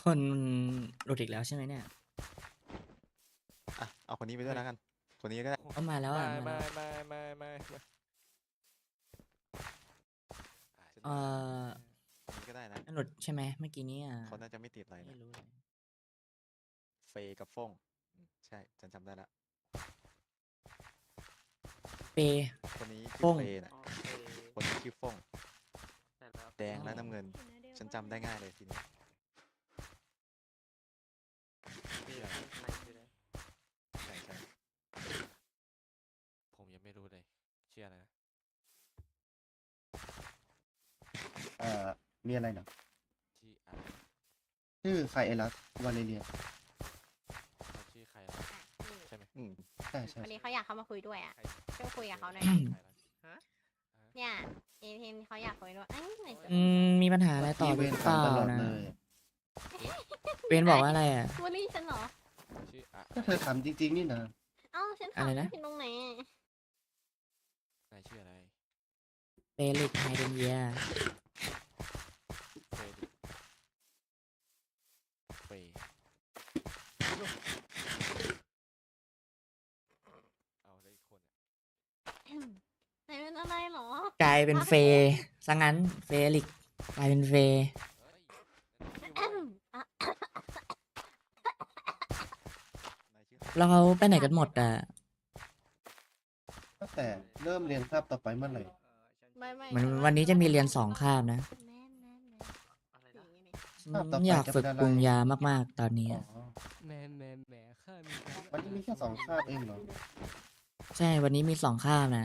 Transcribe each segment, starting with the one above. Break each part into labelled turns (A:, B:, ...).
A: คนหลุดอีกแล้วใช่ไหมเนี่ย
B: อ่ะเอาคนนี้ไปด้วยแล้วกัน คนนี้ก็ได้
A: เอามาแล้ว
C: ไม่
A: อ่ะมา
C: ไม่
A: แล้ว
C: ไม่
A: เออ
B: คนนี้ก็ได้นะ
A: หลุดใช่ไหมเมื่อกี้นี้อ่ะ
B: เขาน่าจะไม่ติดอะไร
A: ไม่
B: นะ
A: รู้เลย
B: เฟยกับฟ่งใช่ฉันจำได้ละ
A: เป
B: คนนี้ชื่
A: ฟ่
B: อง เฟยน่ะ
C: โอเค
B: คนนี้ชื่อฟ่ง
C: ใช่แล้ว
B: แดงและน้ำเงิน ฉันจำได้ง่ายเลยทีนี้
C: พี่
B: ใช่
C: ใครชื่ออะไร
B: ใช่ใช่
C: ผมยังไม่รู้เลยชื่ออะไรนะ
D: มีอะไรเหรอ
C: ชื่ออะไร
D: ชื่อไคเอลัสวาเลเรีย
C: เขาชื่อใครนะใช่ไหม
B: อืม
D: ใช่ใช่
E: วันนี้เขาอยากเข้ามาคุยด้วยอ่ะ
C: ใคร
E: ช่วยคุยกับเขาหน่อย
C: ใคร
E: ดิ
C: นะฮะ
E: เนี่ยเอเทนเขาอยากคุยด้วยเอ้ยไหนจะ
A: มีปัญหาอะไรต่อห
D: เว
A: รื
D: น
A: อเป
D: ถาม
A: ล่า
D: ตลอด
A: นะ
D: เลย
A: เวนบอกว่าอะไรอ่ะ
E: บูลลี่ฉันเหรอ
C: ชื่ออะ
D: ก็เธอถามจริงๆนี่นะ
E: เอ้าฉัน
A: อะไร
E: ถาม
A: นะ
E: ผิดตรงไหนอะ
C: นายชื่ออะไร
A: เปลิกไฮเดนเยีย
C: เฟย์เฟย์เอาแล้วอีกคนอ่ะ
E: ไหนเป็นอะไรเหรอ
A: กลายเป็นเฟซะงั้นเฟลิกกลายเป็นเฟ
C: เฮ้ยนั่นชื่อ
E: อ่ะ
B: นายชื่อ
A: แล้วเขาไปไหนกันหมดอ่ะ
D: ตั้งแต่เริ่มเรียนคาบต่อไปเมื่อไหร่
E: ไม่
A: เหมือนวันนี้จะมีเรียน2 คาบนะ
E: แม่
C: อะไรนะ
A: ฉันอยากฝึกปรุงยามากๆตอนนี้
D: อ๋อ
A: อะ
C: แหมข้ามีการ
D: วันนี้มีแค่2 คาบเองเหรอ
A: ใช่วันนี้มี2 คาบนะ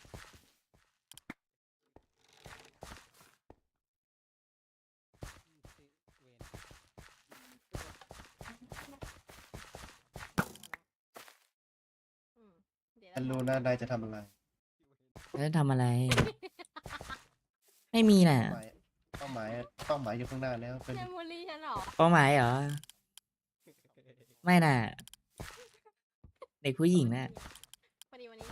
E: เดี๋ยว
D: ฉันรู้นะนายจะทำอะไร
A: แล้วจะทำอะไร ไม่มีน่ะ
D: เป้าหมายเป้าหมายอยู่ข้างหน้าแล้วเป็น
E: เชนบูลลี่ฉันเหรอ
A: เป้าหมายเหรอ ไม่น่ะ เด็กผู้หญิงน่ะ
E: พอดีวันนี้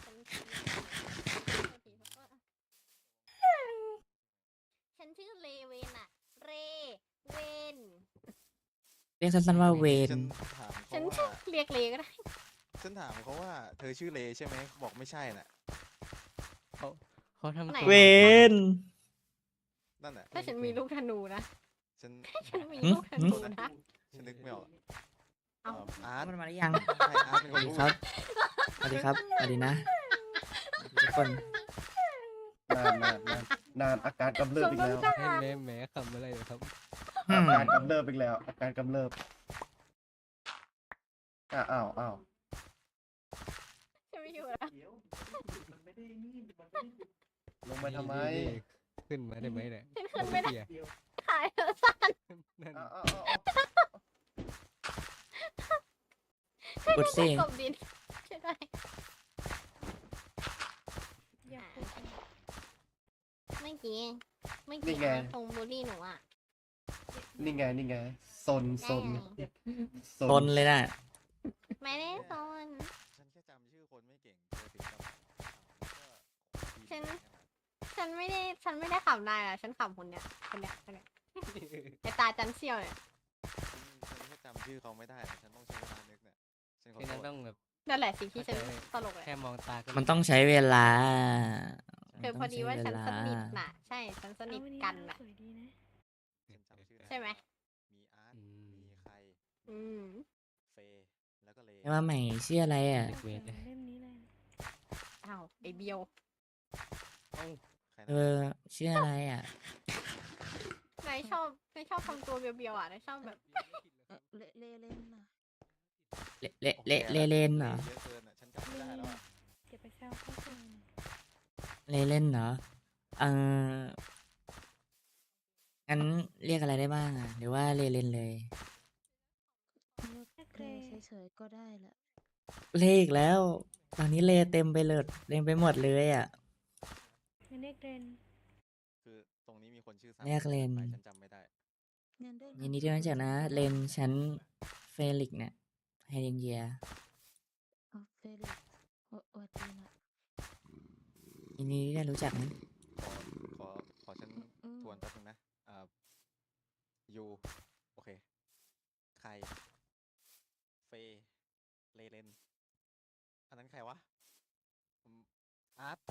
E: ฉันชื่อเลเวนอะเรเวน
A: เรียกสั้นๆว่าเวน
B: ฉันถาม
E: ฉั
B: เขา
E: น
B: ว่า
E: เรียกเลก็ได้
B: ฉันถามเขาว่าเธอชื่อเลใช่ไหมบอกไม่ใช่น่ะ
C: เขาทำ
E: ไหน
A: เวน
B: นั่นน่ะ
E: ถ้าฉันมีลูกธนูนะ
B: ฉัน
E: ฉันมีลูกธนูนะ
B: ฉันนึกไม่ออก
E: เอา
B: อาร์ต
A: มันมาหรือยัง
B: ใช่อาร์ตเป็น
A: ส
B: ค
A: วัน สดี
B: พูด
A: ครับ สวัสดีครับ สวัสดีนะทุกคน
D: นานอาการกำเริบอีกแล้ว
E: สมน้ำหน้า
C: แหมคำอะไรเหรอครับ
A: อืม
D: อาการกำเริบอีกแล้ว อาการกำเริบอ้าว
E: ฉันไม่อยู่แล้ว
D: ลงไปทำไม
C: ขึ้นมาได้ไหมเนี่ย
E: ฉันขึ้นไม่ได้
C: เหี้ย
E: ขายเธอสั้น
C: นั่น
D: อ้าว
A: กดสิ
E: กบดินช่วยด้วยเมื่อกี้เขาตรงบูลลี่หนูอ่ะ
D: นี่ไงซน
A: ตนเลยน่ะ
E: ไม่ได้โซน
B: ฉันแค่จำชื่อคนไม่เก่งเธอถึงกับ
E: ฉันไม่ได้ขำนายอ่ะ ฉันขำคนเนี้ยไอตาจันเซียวเนี่ย
B: ฉันแค่จำชื่อเขาไม่ได้อะฉันต้องใช้เวลานึกเนี่ยฉันขอ
C: ที่
B: โท
C: นั่น
B: ษ
C: ต้องแบบ
E: นั่นแหละสิ่งที่ฉันตลกเลย
C: แค่มองตาก็
A: มันต้องใช้เวลา
E: คือพอดีว่าฉันสนิทน่ะ ใช่ ฉันสนิทกันน่ะ
B: ฉันจำชื่อได้
E: ใช่ไหม
B: มีอาร์ตมีใคร
E: อืม
B: เฟย์แล้วก็เล
A: แต่ว่าใหม่ชื่ออะไรอ่ะ
C: เด็กเวทเลย
E: อ้าวไอเบียว
B: ใคร
A: เอ
B: นะ
A: อชื่ออะไรอ่ะ
E: นายชอบทำตัวเบียวๆอ่ะนายชอบแบบ
F: เลเล่นนะ
A: เลนเหรอ
B: เยอะเกินอ่ะฉันจำไม่ได้แล้วอะ
F: เก็บไปแซวเขาเอง
A: เลนเหรอ เอองั้นเรียกอะไรได้บ้างอ่ะ หรือว่าเลนเลย
F: เลเฉยๆก็ได้แหละ
A: เลอีกแล้ว ตอนนี้เลเต็มไปเลยเต็มไปหมดเลยอ่ะ
F: งั้นเรียกเรน
B: คือตรงนี้มีคนชื่อสาม
A: เรียกเลน
B: ไปฉันจำไม่ได้
F: งั้นเรียก
A: ยินดีที่รู้จักนะ เลนฉันเฟลิกเนี่ยไฮเดนเยีย
F: อ๋อเฟลิกซ์วัดดีนะ
A: ยินดีที่ได้รู้จักนะ
B: ขอฉัน
F: อืม
B: ทวนแป๊บนึงนะยูโอเคครเฟย์เลเลนอันนั้นใครวะอาร์ต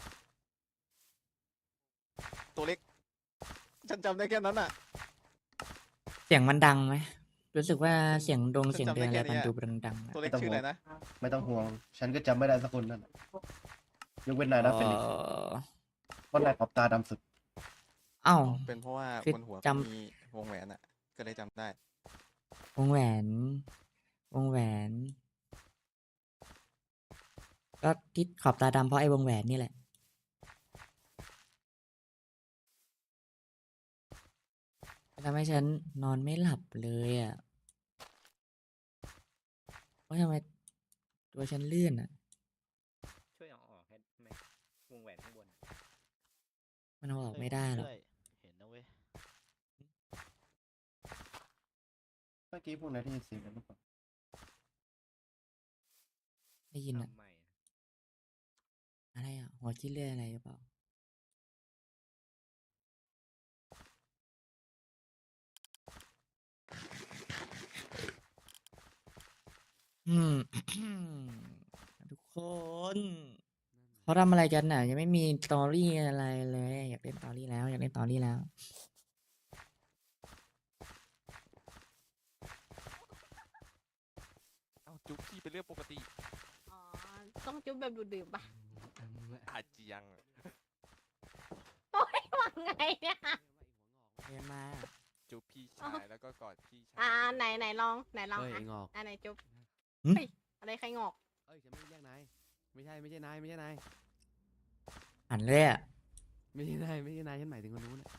B: ตัวเล็ก ฉันจำได้แค่นั้นอ่ะ
A: เสียงมันดังไหมรู้สึกว่า
B: ฉัน
A: เสียงดง
B: ฉัน
A: เสียง
B: จำ
A: เดือน
B: ได้
A: อะไร
B: แค่
A: มัน
B: เนี้ย
A: ดูดังๆอะ
B: ตัวเล็ก
D: ไม่ต้อง
B: ชื่ออะไรนะ
D: ไม่ต้องห่วง ฉันก็จำไม่ได้สักคนนั่นแหละยกเว้นนายนะเฟลิกซ์เพราะนายขอบตาดำสุด
A: เอ้า
B: เป็นเพราะว่า
A: คือบ
B: นหัว
A: จำ
B: เขามีวงแหวนอ่ะ ก็เลยจำได้
A: วงแหวน วงแหวน ก็ที่ขอบตาดำเพราะไอ้วงแหวนนี่แหละทำให้ฉันนอนไม่หลับเลยอ่ะว่าทำไมตัวฉันลื่นอ่ะ
G: ช่วยเอาออกให้ไหมวงแหวนข้างบน
A: มันเอาออกไม่ได้หรอก
C: เห็นนะเว้ย
D: เมื่อกี้พวกนายได้ยินเสียงกันหรือเปล่า
A: ได้ยินอ่ะ
G: ทำไมอะ
A: อะไรอ่ะ หัวคิดเรื่อยอะไรหรือเปล่า อืม ทุกคนเขาทำอะไรกันน่ะ ยังไม่มีสตอรี่อะไรเลย อยากเล่นสตอรี่แล้ว อยากเล่นสตอรี่แล้ว
C: เอ้าจุ๊บพี่เป็นเรื่องปกติ
E: อ๋อ ต้องจุ๊บแบบดูดดื่มปะ
C: อาจจะยัง
E: โอ้ยว่าไงเนี่ย
A: เรียนมา
C: จุ๊บพี่
E: อ๋อ
C: ชายแล้วก็กอดพี่ชาย
E: ไหนลองไหนลอง
H: เอ้ย
E: อ่ะ
H: ไอ้งอก
E: ไหนจุ๊บ
A: หึ
E: เฮ้ยอะไรใครงอก
H: เอ้ยฉันไม่ได้เรียกนาย ไม่ใช่นาย ไม่ใช่นาย
A: หันเลยอ่ะ
H: ไม่ใช่นาย ไม่ใช่นาย ฉันหมายถึงคนนู้นน่ะ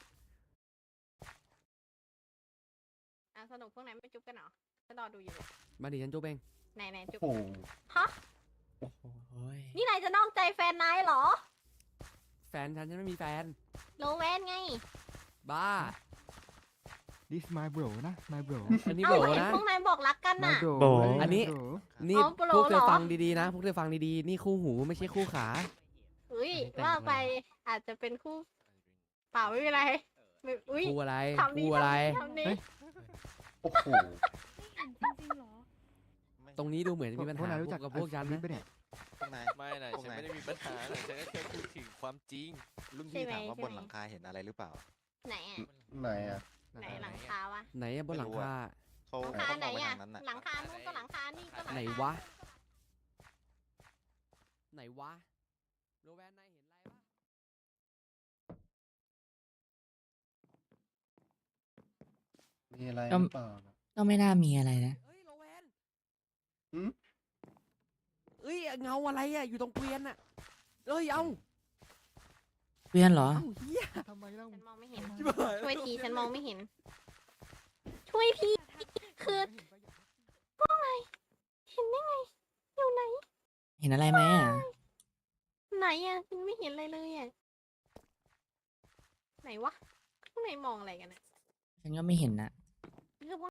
E: สนุกพวกนั้นไม่จุ๊บกันเหรอฉันรอดูอยู่เลย
H: มาดิฉันจุ๊บเอง
E: ไหนจุ๊บ
D: โอ้โห
E: ฮะ
A: โอ้ย
E: นี่นายจะนอกใจแฟนนายเหรอ
H: แฟนฉันไม่มีแฟน
E: โลเวนไง
H: บ้า
I: This my bro นะ my bro
H: อันนี้
E: เอ้า
H: โบ
E: เห็น
H: นะ
E: พวกนายบอกรักกันน่ะ
I: my bro
A: โบ
H: อันนี้
I: bro
H: นี่
E: อ๋อโปร
H: พวกเธอ
E: เหรอ
H: ฟังดีๆนะ พวกเธอฟังดีๆ นี่คู่หูไม่ใช่คู่ขา
E: อุ้ย
H: แต่ง
E: ว่า
H: อะไร
E: ไปอาจจะเป็นคู่เปล่าไม่เป็นไรไม่อุ้ย
H: คู่อะไร
E: ทำนี้
H: คู่อะไร
E: ทำนี้
D: โอ้โห
F: จริงๆเหรอ
B: ไม่
H: ตรงนี้ดูเหมือนจะมีปัญ
I: พวกาย
H: หานพ
I: รู้
H: ว
I: จัก
H: กกับพวกฉัน
I: ลิ
H: นะ
I: ปะเนี่ย
B: พวกนาย
C: ไม่นะ
B: พวก
C: ฉัน
B: นาย
C: ไม่ได้มีปัญหานะฉันก็แค่พูดถึงความจริง
B: รุ่นพี่ถามว่าบนหลังคาเห็นอะไรหรือเปล่า
E: ไหนอ่ะ
D: ไหนอ่ะ
E: ไหนหลังคาวะ
H: ไหนอะบนหลังคา
B: เขา
E: หลังคา
B: เขา
E: ไหน
B: มองไป
E: อ่ะ
B: ทางนั้นน่ะ
E: หลังคานู้นก็หลังคานี่ก็หลังคา
H: ไหนวะ ไหนวะ โรแวนนายเห็นอะไรปะ
D: มีอะไรห
A: ก็
D: รือเปล่านะ
A: ก็ไม่น่ามีอะไรนะ
H: เอ้ยโรแวน
D: หืม
H: เอ้ยเงาอะไรอะอยู่ตรงเกวียนอะเอ้ยเอา
A: เพื่อนเหรอ
H: เอ้าเฮีย
I: ทำไมเล่า
E: ฉันมองไม่เห็น
H: ชิบหาย
E: ช่วยทีฉันมองไม่เห็น ช่วยทีคือเห็นได้ไง อยู่ไหน
A: เห็นอะไรไหมอ่ะ
E: ไหนอ่ะฉันไม่เห็นอะไรเลยอ่ะ ไหนวะพวกไหนมองอะไรกันอ่ะ
A: ฉันก็ไม่เห็นนะ
E: คือพวก